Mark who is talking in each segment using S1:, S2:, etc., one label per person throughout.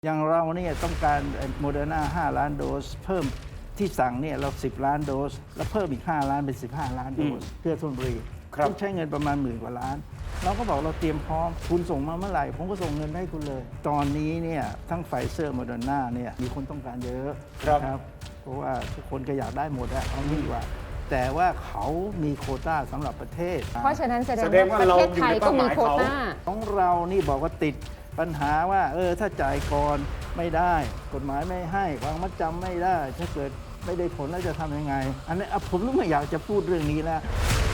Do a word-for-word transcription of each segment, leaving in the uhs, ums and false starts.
S1: อย่างเราเนี่ยต้องการโมเดอร์นาห้าล้านโดสเพิ่มที่สั่งเนี่ยเราสิบล้านโดสแล้วเพิ่มอีกห้าล้านเป็นสิบห้าล้านโดสเพื่อธนบุรีต้องใช้เงินประมาณหมื่นกว่าล้านเราก็บอกเราเตรียมพร้อมคุณส่งมาเมื่อไหร่ผมก็ส่งเงินให้คุณเลย ตอนนี้เนี่ยทั้งไฟเซอร์โมเดอร์นาเนี่ยมีคนต้องการเยอะครับเพราะว่าทุกคนก็อยากได้หมดอะเอางี้ดีกว่าแต่ว่าเขามีโควต้าสำหรับประเทศ
S2: เพราะฉะนั้นแสดงว่าประเทศไทยก็มีโควต้า
S1: ของเรานี่บอกว่าติดปัญหาว่าเออถ้าจ่ายก่อนไม่ได้กฎหมายไม่ให้วางมัดจำไม่ได้ถ้าเกิดไม่ได้ผลแล้วจะทำยังไงอันนี้ผมไม่อยากจะพูดเรื่องนี้แล้ว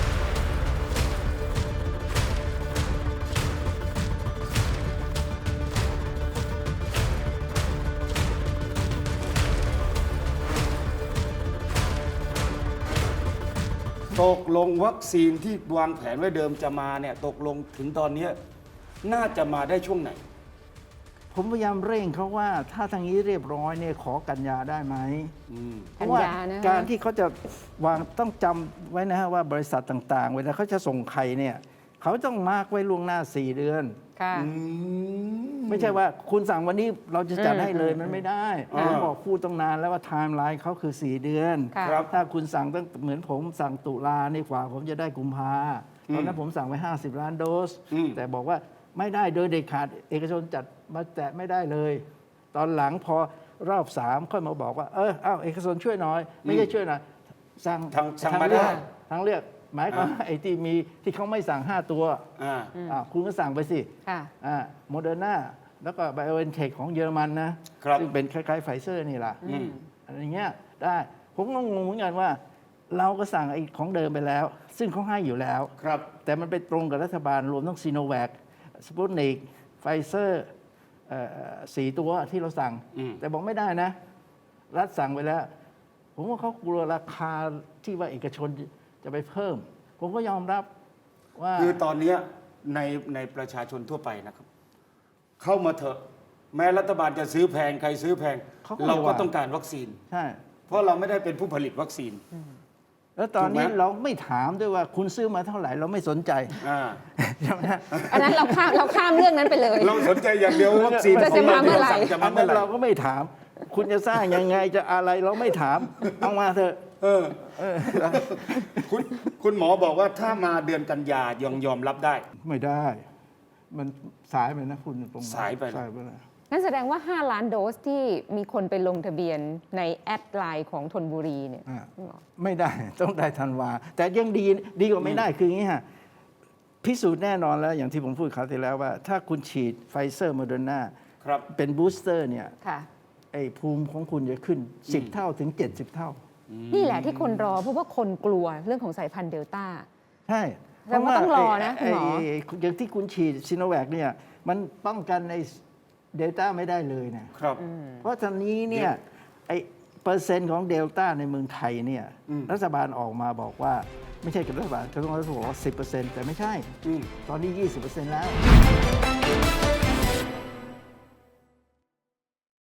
S3: ตกลงวัคซีนที่วางแผนไว้เดิมจะมาเนี่ยตกลงถึงตอนนี้น่าจะมาได้ช่วงไหน
S1: ผมพยายามเร่งเขาว่าถ้าทางนี้เรียบร้อยเนี่ยขอกันยาได้ไหมเพราะว่าการที่เขาจะวางต้องจำไว้นะฮะว่าบริษัทต่างๆเวลาเขาจะส่งใครเนี่ยเขาต้องมาร์กไว้ล่วงหน้าสี่เดือนไม่ใช่ว่าคุณสั่งวันนี้เราจะจัดให้เลยมันไม่ได้ผมบอกพูดตั้งนานแล้วว่าไทม์ไลน์เขาคือสี่เดือนถ้าคุณสั่งตั้งเหมือนผมสั่งตุลานี่กว่าผมจะได้กุมภาตอนนั้นผมสั่งไว้ห้าสิบล้านโดสแต่บอกว่าไม่ได้โดยเด็ดขาดเอกชนจัดมาแตะไม่ได้เลย ตอนหลังพอรอบสามค่อยมาบอกว่าเอออ้าวเอกชนช่วยหน่อยไม่ใช่ช่วยหน่อยสั่ง
S3: ทาง
S1: เลือกทางเลือกหมายความว่าไอ้ที่มีที่เขาไม่สั่งห้าตัวคุณก็สั่งไปสิโมเดอร์นาแล้วก็ไบโอเอ็นเทคของเยอรมันนะซึ่งเป็นคล้ายๆไฟเซอร์นี่แหละอะไรเงี้ยได้ผมก็งงเหมือนกันว่าเราก็สั่งไอ้ของเดิมไปแล้วซึ่งเขาให้อยู่แล้วแต่มันไปตรงกับรัฐบาลรวมทั้งซีโนแวคสปุตนิกไฟเซอร์สี่ตัวที่เราสั่งแต่บอกไม่ได้นะรัฐสั่งไปแล้วผมว่าเขากลัวราคาที่ว่าเอกชนจะไปเพิ่มผมก็ยอมรับว่า
S3: คือตอนนี้ในในประชาชนทั่วไปนะครับเข้ามาเถอะแม้รัฐบาลจะซื้อแพงใครซื้อแพงเราก็ต้องการวัคซีน
S1: ใช่
S3: เพราะเราไม่ได้เป็นผู้ผลิตวัคซีน
S1: แล้วตอนนี้เราไม่ถามด้วยว่าคุณซื้อมาเท่าไหร่เราไม่สนใจ
S2: อันนั้นเราข้ามเราข้ามเรื่องนั้นไปเลย
S3: เราสนใจอย่างเดียววัคซีน
S2: จะมาเมื่อไหร่
S1: จะมาเมื่อไหร่เราก็ไม่ถามคุณจะสร้างยังไงจะอะไรเราไม่ถามเอามาเถอะ
S3: เออคุณคุณหมอบอกว่าถ้ามาเดือนกันยายอมยอมรับได้
S1: ไม่ได้มันสายไปนะคุณตรง
S3: สายไป
S1: สายไปนะ
S2: นั่นแสดงว่าห้าล้านโดสที่มีคนไปลงทะเบียนในแอดไลน์ของธนบุรีเนี่ย
S1: ไม่ได้ต้องได้ธันวาแต่ยังดีดีกว่าไม่ได้คืออย่างนี้ฮะพิสูจน์แน่นอนแล้วอย่างที่ผมพูดคราวที่แล้วว่าถ้าคุณฉีดไฟเซอร์โมเดอร์นาเป็นบูสเตอร์เนี่ยไอ้ภูมิของคุณจะขึ้นสิบเท่าถึงเจ็ดสิบเท่า
S2: นี่แหละที่คนรอเพราะว่าคนกลัวเรื่องของสายพันธุ์เดลต้า
S1: ใช่
S2: เพราะว่าต้องรอนะคุณหมอ
S1: อย่างที่คุณฉีดซิโนแวคเนี่ยมันป้องกันในเดลต้าไม่ได้เลยนะครับเพราะตอนนี้เนี่ยไอเปอร์เซ็นต์ของเดลต้าในเมืองไทยเนี่ยรัฐบาลออกมาบอกว่าไม่ใช่กับรัฐบาลกระทรวงสาธารณสุขบอกว่าสิบเปอร์เซ็นต์แต่ไม่ใช่ตอนนี้ยี่สิบเปอร์เซ็นต์แล้ว